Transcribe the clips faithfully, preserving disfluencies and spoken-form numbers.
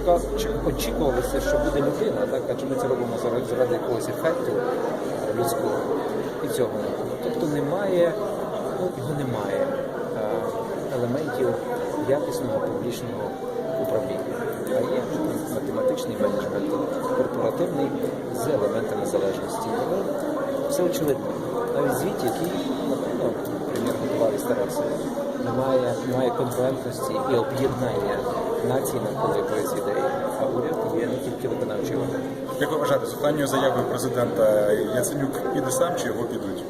очікувалося, що буде людина, так, адже ми це робимо заради, заради якогось ефекту людського, і цього не було. Тобто немає, ну, його немає а, елементів якісного публічного управління, а є математичний менеджмент, корпоративний з елементами залежності. Але все очевидно. Навіть звіт, який, напевно, прем'єр готував і старався, немає, немає конкурентності і об'єднання нації навколо якоїсь ідеї, а уряд є не тільки виконавчий орган. Як ви вважаєте, з останньою заявою президента Яценюк піде сам чи його підуть?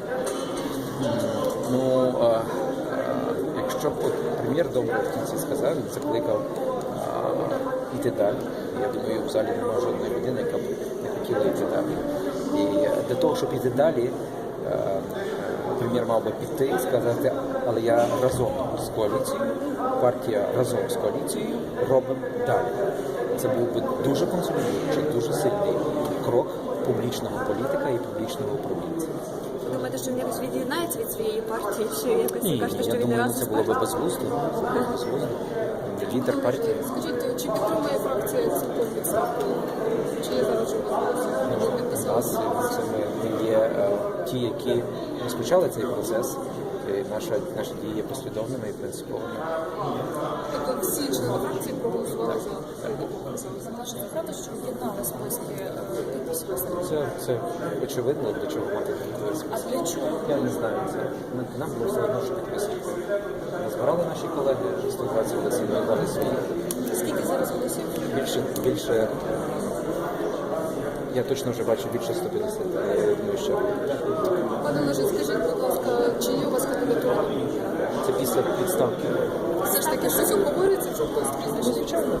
Ну, а, а, якщо б от прем'єр добре в кінці сказав, він закликав а, йти далі. Я думаю, в залі немає жодної людини, яка б не хотіла йти далі. І для того, щоб йти далі, а, прем'єр мав би піти і сказати, але я разом з коаліцією, партія разом з коаліцією робимо далі. Це був би дуже консолідуючий, дуже сильний крок публічного політика і публічного управлінця. Ви думаєте, що він якось від'єднається від своєї партії? Чи якось Ні, кажете, ні, що я він не думаю, разом це з було б партією? безглуздо. безглуздо. Лідер партії. Скажіть, чи підтримує фракція цілком відставку? Чи є зараз Ну, у нас це ми, ми є е, ті, які розпочали цей процес. І наша, наші дії є послідовними і принциповими. Тобто всі члени фракції проголосували за це наше правда, що об'єднали списки підписів? Це, це очевидно, для чого мати такі списки. А для чого? Я не знаю. Це ми, нам було все одно, що підписувати. Ми збирали наші колеги, сто двадцять голосів, ми дали свої. Скільки зараз голосів? Більше, більше, я точно вже бачу більше сто п'ятдесят, але я думаю, що Пане Олеже, скажіть, будь ласка, чи є у вас кандидатура? це після підставки. Все ж таки, щось обговорюється, що хтось прізвище? Звичайно.